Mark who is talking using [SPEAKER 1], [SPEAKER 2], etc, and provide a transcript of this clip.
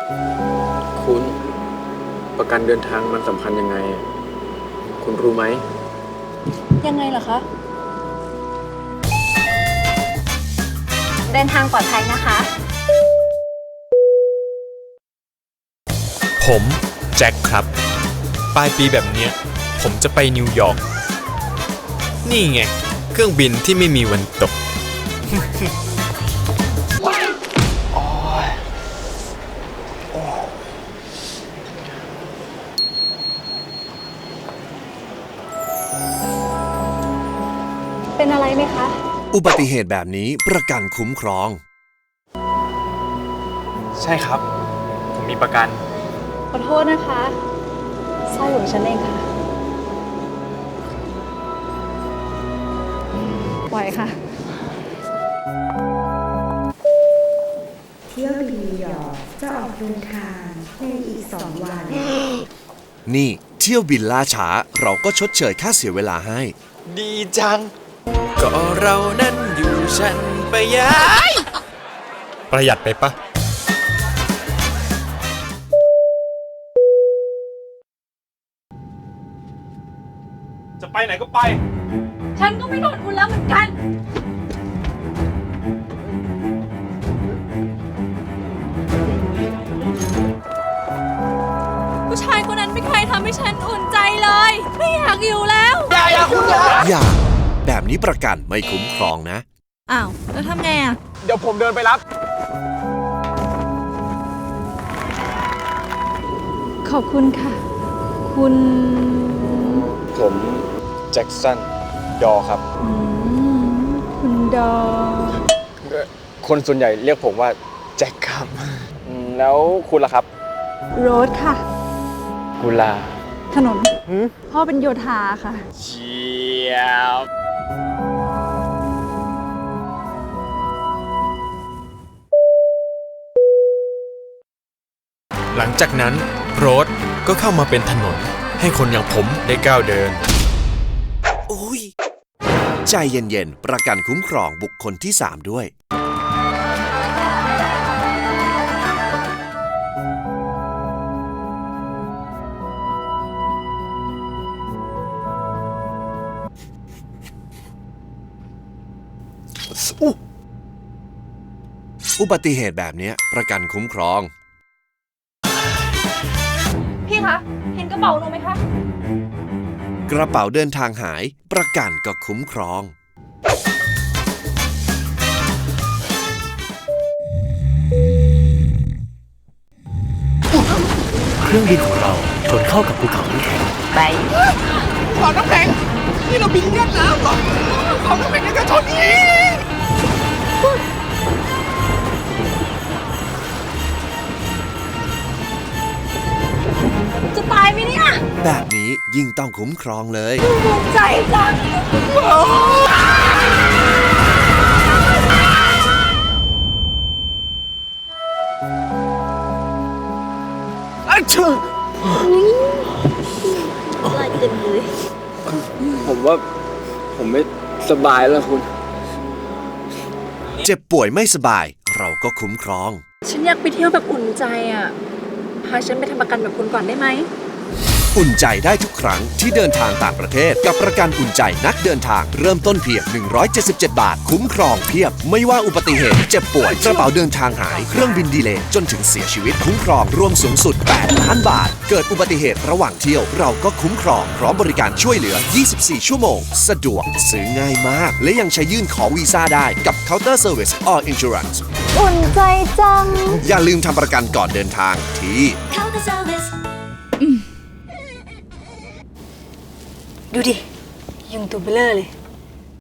[SPEAKER 1] คุณประกันเดินทางมันสำคัญยังไง คุณรู้ไหม
[SPEAKER 2] ยังไงล่ะคะ
[SPEAKER 3] เดินทางปลอดภัยนะคะ
[SPEAKER 4] ผมแจ็คครับปลายปีแบบเนี้ยผมจะไปนิวยอร์กนี่ไงเครื่องบินที่ไม่มีวันตก
[SPEAKER 3] เป็นอะไรไหมคะ
[SPEAKER 5] อุบัติเหตุแบบนี้ประกันคุ้มครอง
[SPEAKER 1] ใช่ครับ ผมมีประกัน
[SPEAKER 2] ขอโทษนะคะสร้อยของฉันเองค่ะปล่อยค่ะ
[SPEAKER 6] เที่ยวบินนิวยอร์กจะออกเดินทางในอีก2 วัน
[SPEAKER 5] นี่เที่ยวบินล่าช้าเราก็ชดเชยค่าเสียเวลาให้
[SPEAKER 4] ดีจัง ก็เรานั้นอยู่ฉันไปย้ายประหยัดไปปะ
[SPEAKER 1] จะไปไหนก็ไป
[SPEAKER 2] ฉันก็ไม่โดนคุณแล้วเหมือนกัน ผู้ชายคนนั้นไม่เคยทำให้ฉันอุ่นใจเลย ไม่อยากอยู่แล้ว
[SPEAKER 5] อย่า แบบนี้ประกันไม่คุ้มครองนะ
[SPEAKER 2] อ้าว แล้วทำไงอ่ะ
[SPEAKER 1] เดี๋ยวผมเดินไปรับ
[SPEAKER 2] ขอบคุณค่ะ คุณ
[SPEAKER 1] ผมแจ็คสันดอครับ
[SPEAKER 2] คุณดอ
[SPEAKER 1] คนส่วนใหญ่เรียกผมว่าแจ็คครับแล้วคุณล่ะครับ
[SPEAKER 2] โรดค่ะ
[SPEAKER 1] กุลา
[SPEAKER 2] ถนน พ่อเป็นโยธาค่ะ
[SPEAKER 1] เชียบ
[SPEAKER 4] หลังจากนั้นโรดก็เข้ามาเป็นถนนให้คนอย่างผมได้ก้าวเดิน
[SPEAKER 5] อุ้ย ใจเย็นๆ ประกันคุ้มครองบุคคลที่ 3 ด้วย อุบัติเหตุแบบนี้ประกันคุ้มครอง
[SPEAKER 2] พี่คะ เห็นกระเป๋าหนูไหมคะ
[SPEAKER 5] กระเป๋าเดินทางหายประกันก็คุ้มครอง
[SPEAKER 7] เครื่องบินของเราชนเข้ากับภูเขาน้ำแข็ง
[SPEAKER 8] ขอน้ำแข็งนี่เราบินเลียดน้ำเหรอขอน้ำแข็งในกระชนนี้
[SPEAKER 2] จะตายไหมเนี่ย
[SPEAKER 5] แบบนี้ยิ่งต้องคุ้มครองเลย
[SPEAKER 2] ภูมิใจจัง
[SPEAKER 1] ผมว่าผมไม่สบายแล้วคุณ
[SPEAKER 5] เจ็บป่วยไม่สบายเราก็คุ้มครอง
[SPEAKER 2] ฉันอยากไปเที่ยวแบบอุ่นใจอ่ะ พาฉันไปทำประกันแบบคุณก่อนได้ไหม
[SPEAKER 5] อุ่นใจได้ทุกครั้งที่เดินทางต่างประเทศกับประกันอุ่นใจนักเดินทางเริ่มต้นเพียง 177 บาท คุ้มครองเพียบ ไม่ว่าอุบัติเหตุเจ็บป่วยกระเป๋าเดินทางหายเครื่องบินดีเลย์จนถึงเสียชีวิตคุ้มครองรวมสูงสุด 8 ล้านบาท เกิดอุบัติเหตุระหว่างเที่ยวเราก็คุ้มครองพร้อมบริการช่วยเหลือ 24 ชั่วโมง สะดวกซื้อง่ายมาก และยังใช้ยื่นขอวีซ่าได้กับ Counter Service All Insurance
[SPEAKER 3] อุ่นใจจัง
[SPEAKER 5] อย่าลืมทำประกันก่อนเดินทางที่
[SPEAKER 3] ดูดิ ยุงตัวเบลอเลย